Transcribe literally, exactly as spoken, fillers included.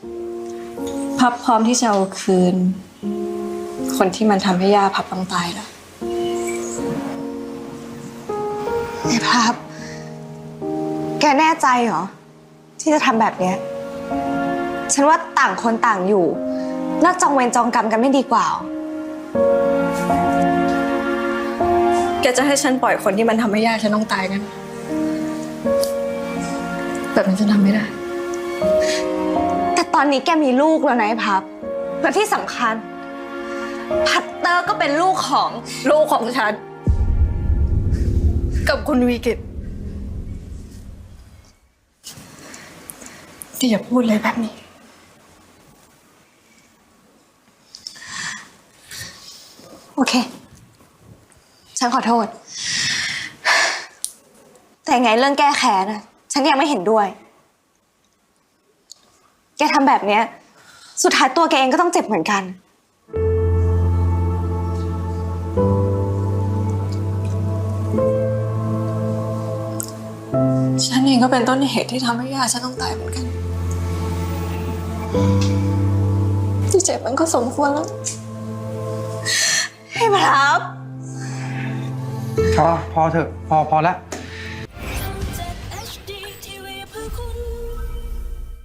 พับพร้อมที่จะเอาคืน คนที่มันทำให้ย่าพับต้องตายแล้วไอ้พับแกแน่ใจเหรอที่จะทำแบบเนี้ยฉันว่าต่างคนต่างอยู่เลิกจองเวรจองกรรมกันไม่ดีกว่าแกจะให้ฉันปล่อยคนที่มันทำให้ย่าฉันต้องตายกันแบบนั้นฉันทำไม่ได้แต่ตอนนี้แกมีลูกแล้วนะไอ้พับและที่สำคัญพัตเตอร์ก็เป็นลูกของลูกของฉัน กับคุณวีกิตที่อย่าพูดเลยแบบนี้โอเคฉันขอโทษแต่ไงเรื่องแก้แค้นนะฉันยังไม่เห็นด้วยแกทำแบบเนี้ยสุดท้ายตัวแกเองก็ต้องเจ็บเหมือนกันฉันเองก็เป็นต้นเหตุที่ทำให้ย่าฉันต้องตายเหมือนกันที่เจ็บมันก็สมควรแล้วให้พับพอพอเถอะพอพอแล้ว